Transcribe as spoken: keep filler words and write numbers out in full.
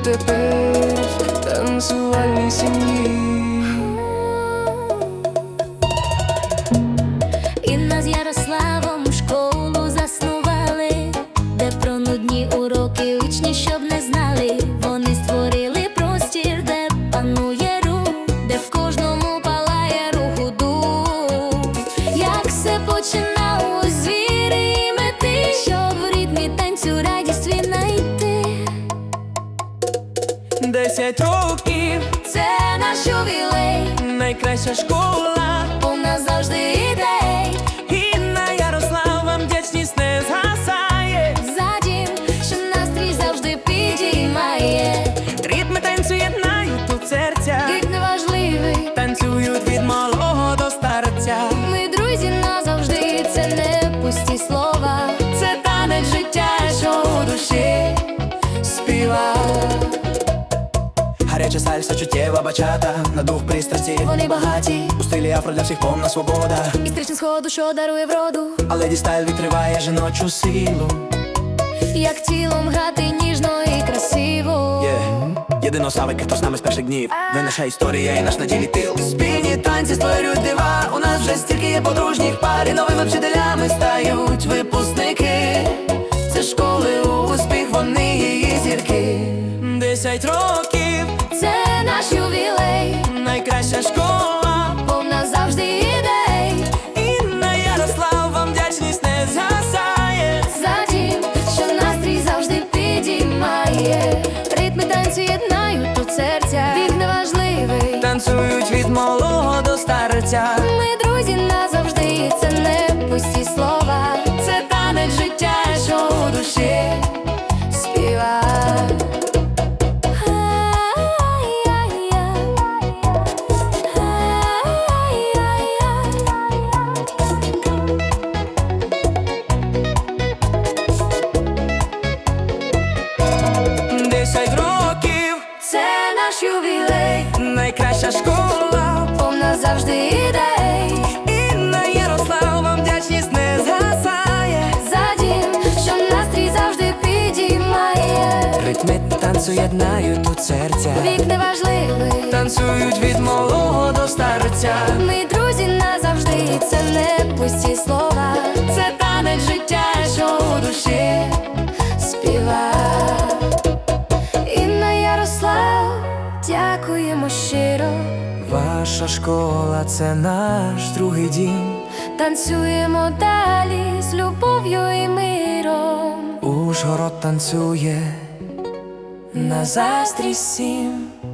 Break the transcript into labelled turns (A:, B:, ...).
A: тепер в танцювальній сім'ї.
B: Інна з Ярославом школу заснували, де про нудні уроки учні щоб не знали. Вони створили простір, де панує рух, де в кожному палає руху дух. Як все починалось з віри і мети, щоб в ритмі танцю радість віднайти.
A: Десять років
B: — це наш ювілей,
A: найкраща школа,
B: повна завжди ідей.
A: Інна, Ярослав, вам вдячність не згасає.
B: За дім, що настрій завжди підіймає.
A: Ритми танцю єднають тут серця,
B: Вік неважливий,
A: танцюють від малого до старця.
B: ми друзі назавжди, це не пусті слова.
A: Це танець життя, що у душі співа. Гаряча сальса, чуттєва бачата, на дух пристрасті
B: Вони багаті,
A: у стилі афро для всіх повна свобода.
B: історичний сходу, що дарує вроду.
A: А леді стайл відкриває жіночу силу.
B: Як тілом грати ніжно і красиво.
A: Yeah. Єдино савики, хто з нами з перших днів. Ви наша історія і наш на ділі тил. Спільні танці створюють дива. У нас вже стільки є подружніх пар, і новими вчителями стають випускники. Це школи успіх, вони її зірки. Десять років
B: — це наш ювілей,
A: найкраща школа,
B: повна завжди ідей.
A: Інна, Ярослав, вам вдячність не згасає.
B: За дім, що настрій завжди підіймає. Ритми танцю єднають тут серця. Вік неважливий,
A: Танцюють від малого до старця.
B: ми друзі назавжди, це не пусті слова.
A: Це танець життя, що у душі
B: Співа.
A: Десять років
B: — це наш ювілей,
A: найкраща школа,
B: повна завжди ідей.
A: Інна, Ярослав, вам вдячність не згасає.
B: За дім, що настрій завжди підіймає.
A: Ритми танцю єднають тут серця.
B: Вік неважливий,
A: Танцюють від малого до старця.
B: ми друзі назавжди, це не пусті слова.
A: Це танець життя, що у душі
B: Співа. Інна, Ярослав, дякуємо щиро.
A: Ваша школа — це наш другий дім.
B: Танцюємо далі з любов'ю і миром.
A: Ужгород танцює на заздрість всім.